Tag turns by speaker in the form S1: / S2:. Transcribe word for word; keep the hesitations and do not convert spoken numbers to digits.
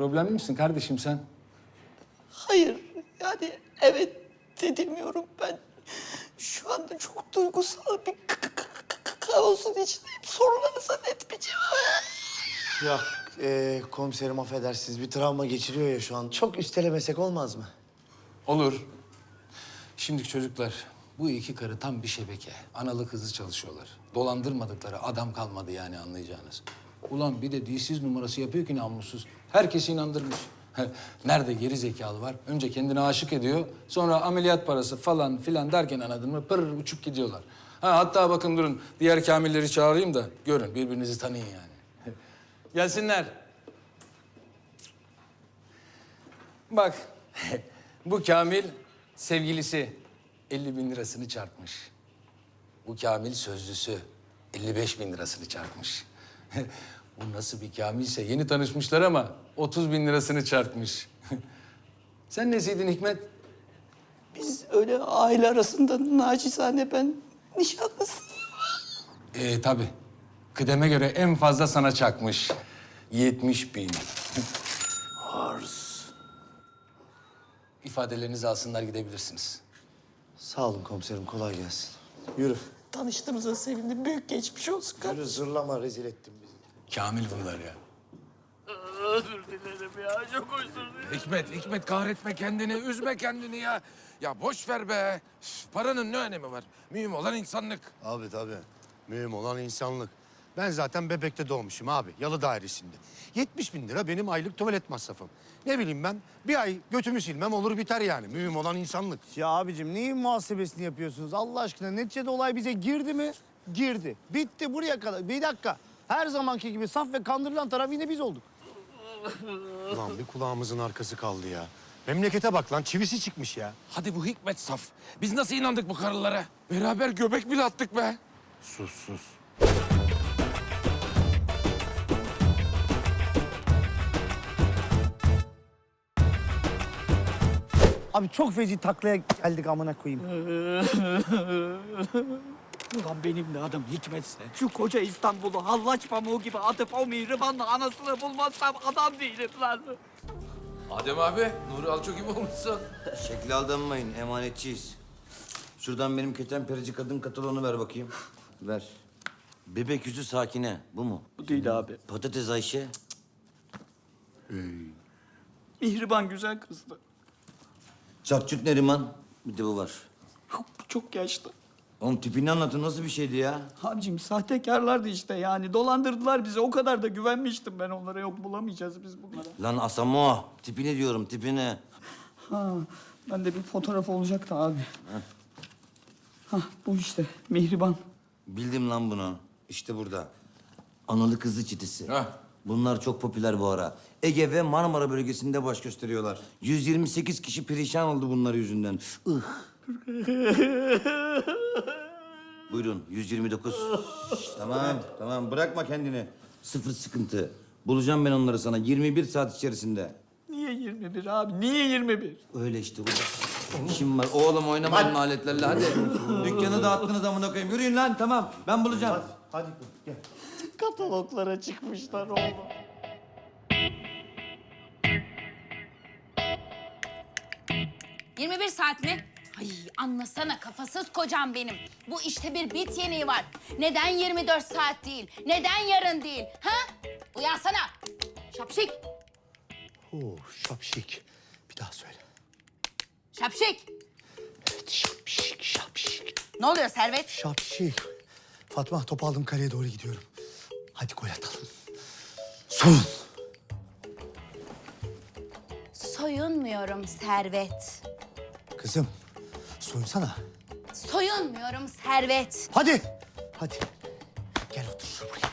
S1: Problemli misin kardeşim sen?
S2: Hayır, yani evet dedemiyorum ben. Şu anda çok duygusal bir k- k- k- kaosun içindeyim. Sorularınıza net bir cevap.
S3: Ya e, komiserim affedersiniz bir travma geçiriyor ya şu an. Çok üstelemesek olmaz mı?
S1: Olur. Şimdi çocuklar, bu iki karı tam bir şebeke. Analı kızı çalışıyorlar. Dolandırmadıkları adam kalmadı yani anlayacağınız. Ulan bir de dilsiz numarası yapıyor ki namussuz. Herkesi inandırmış. Nerede geri zekalı var? Önce kendine aşık ediyor. Sonra ameliyat parası falan filan derken anladın mı? Pırr uçup gidiyorlar. Ha, hatta bakın durun diğer kamilleri çağırayım da görün birbirinizi tanıyın yani. Gelsinler. Bak bu Kamil sevgilisi elli bin lirasını çarpmış. Bu Kamil sözlüsü elli beş bin lirasını çarpmış. Bu nasıl bir Kamilse yeni tanışmışlar ama otuz bin lirasını çarpmış. Sen nesiydin Hikmet?
S2: Biz öyle aile arasında nacizane ben nişanlısıyım.
S1: Ee tabii. Kıdeme göre en fazla sana çakmış. yetmiş bin. Hars. İfadelerinizi alsınlar gidebilirsiniz.
S3: Sağ olun komiserim kolay gelsin. Yürü.
S2: Tanıştığımıza sevindim. Büyük geçmiş olsun
S3: Yürü
S2: kardeşim.
S3: zırlama rezil ettin bizi.
S1: Kamil bunlar ya.
S2: Özür dilerim ya. Çok özür dilerim.
S4: Hikmet, Hikmet kahretme kendini, üzme kendini ya. Ya boş ver be. Üf, paranın ne önemi var? Mühim olan insanlık.
S5: Abi tabii. Mühim olan insanlık. Ben zaten Bebek'te doğmuşum abi, yalı dairesinde. yetmiş bin lira benim aylık tuvalet masrafım. Ne bileyim ben, bir ay götümü silmem olur biter yani. Mühim olan insanlık.
S6: Ya abicim neyin muhasebesini yapıyorsunuz Allah aşkına? Neticede olay bize girdi mi? Girdi. Bitti buraya kadar. Bir dakika. Her zamanki gibi saf ve kandırılan taraf yine biz olduk.
S5: Ulan bir kulağımızın arkası kaldı ya. Memlekete bak lan, çivisi çıkmış ya.
S4: Hadi bu Hikmet saf. Biz nasıl inandık bu karılara? Beraber göbek bile attık be.
S5: Sus sus.
S6: Abi çok feci taklaya geldik amına koyayım.
S2: Ulan benim de adım Hikmetse. Şu koca İstanbul'u hallaç pamuğu gibi atıp o mihribanla anasını bulmazsam adam değilim lan.
S4: Adem abi, Nuri Alço gibi olmuşsun.
S7: Şekli aldanmayın, emanetçiyiz. Şuradan benim ketenperici kadın kataloğunu ver bakayım. Ver. Bebek yüzü Sakine, bu mu?
S2: Bu değil abi.
S7: Patates Ayşe.
S2: Mihriban güzel kızdı.
S7: Çatçut Neriman. Bir de bu var.
S2: Çok, çok yaşlı.
S7: Oğlum tipini anlatın, nasıl bir şeydi ya?
S2: Abicim sahtekarlardı işte yani. Dolandırdılar bizi. O kadar da güvenmiştim ben onlara. Yok bulamayacağız biz bunlara.
S7: Lan Asamo, tipini diyorum, tipini.
S2: Ha, ben de bir fotoğraf olacaktı abi. Ha, bu işte Mihriban.
S7: Bildim lan bunu. İşte burada. Analı kızlı çetesi.
S4: Hah.
S7: Bunlar çok popüler bu ara. Ege ve Marmara bölgesinde baş gösteriyorlar. yüz yirmi sekiz kişi perişan oldu bunlar yüzünden. Ih. Buyurun, yüz yirmi dokuz. Şş, tamam, tamam. Bırakma kendini. Sıfır sıkıntı. Bulacağım ben onları sana yirmi bir saat içerisinde.
S2: Niye yirmi bir abi? Niye yirmi bir?
S7: Öyle işte. İşim var. Oğlum oynamayın aletlerle. Hadi. Dükkanı dağıttınız amına koyayım. Yürüyün lan, tamam. Ben bulacağım.
S6: Hadi gel.
S2: Kataloglara çıkmışlar oğlum.
S8: yirmi bir saat mi? Ay anlasana kafasız kocam benim. Bu işte bir bit yeniği var. Neden yirmi dört saat değil? Neden yarın değil? Ha? Uyansana. Şapşik.
S5: Oo, şapşik. Bir daha söyle.
S8: Şapşik.
S5: Evet, şapşik, şapşik.
S8: Ne oluyor Servet?
S5: Şapşik. Fatma, topu aldım, kaleye doğru gidiyorum. Hadi gol atalım. Son.
S8: Soyunmuyorum Servet.
S5: Kızım, soyunsana.
S8: Soyunmuyorum Servet.
S5: Hadi. Hadi. Gel otur buraya.